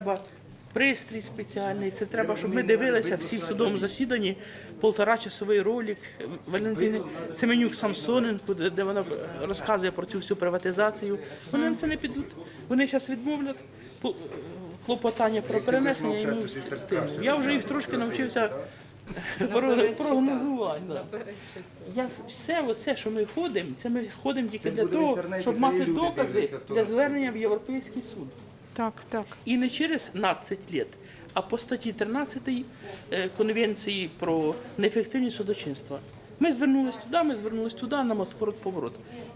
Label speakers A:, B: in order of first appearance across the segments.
A: Треба пристрій спеціальний, це треба, щоб ми дивилися всі в судовому засіданні, 1,5-часовий ролик Валентини Семенюк-Самсоненко, де вона розказує про цю всю приватизацію. Вони на це не підуть. Вони зараз відмовлять клопотання про перенесення. І я вже їх трошки навчився прогнозувати. Все оце, що ми ходимо, це ми ходимо тільки для того, щоб мати докази для звернення в Європейський суд.
B: Так, так.
A: І не через 15 років, а по статті 13 Конвенції про неефективність судочинства. Ми звернулись туди, нам отворот-поворот.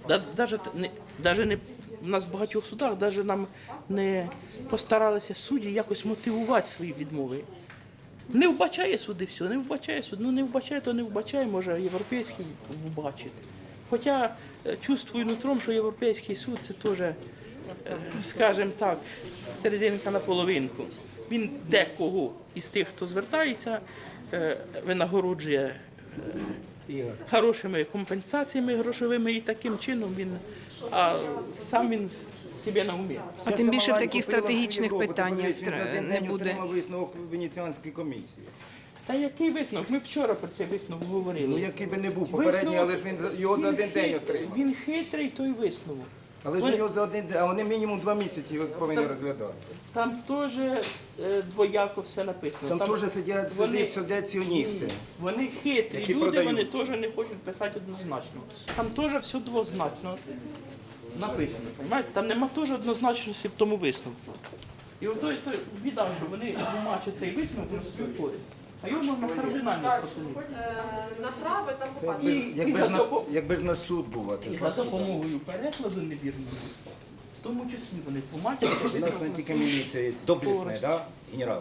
A: У нас в багатьох судах навіть нам не постаралися судді якось мотивувати свої відмови. Не вбачає суд і все, не вбачає суд. Ну не вбачає, то не вбачає, може європейський вбачити. Хоча чувствую нутром, що європейський суд це теж, скажімо так, серединка на половинку. Він декого із тих, хто звертається, винагороджує хорошими компенсаціями грошовими і таким чином а сам він себе на умі.
B: А тим більше в таких стратегічних питаннях не буде.
C: Отримав висновок Венеціанської комісії.
A: Та який висновок? Ми вчора про цей висновок говорили.
C: Ну який би не був попередній, але ж він його за один день отримав.
A: Він хитрий, той висновок.
C: Але ж його за один день, а вони мінімум 2 місяці його повинні розглядати.
A: Там теж двояко все написано.
C: Там теж сидять сіоністи.
A: Вони хитрі
C: які
A: люди,
C: продають.
A: вони теж не хочуть писати однозначно. Там теж все двозначно написано. Понимаєте? Там нема теж однозначності в тому висновку. І от той біда, що вони тлумачать цей висновок на свою користь. А його можна кардинально просунути.
D: Направо там попасть.
C: Якби ж на суд був.
A: І за допомогою перекладу невірного, в тому числі вони тлумачать цей
C: У нас не
A: висновок.
C: тільки міліція, доблесна, так? Генерал.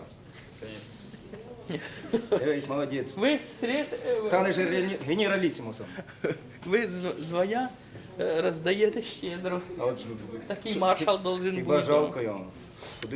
C: Дивись, молодець.
A: Ви
C: Станеш генералісімусом.
A: ви звання роздаєте щедро.
C: А от ж
A: Такий маршал должен
C: хіба
A: бути.
C: жалко йому.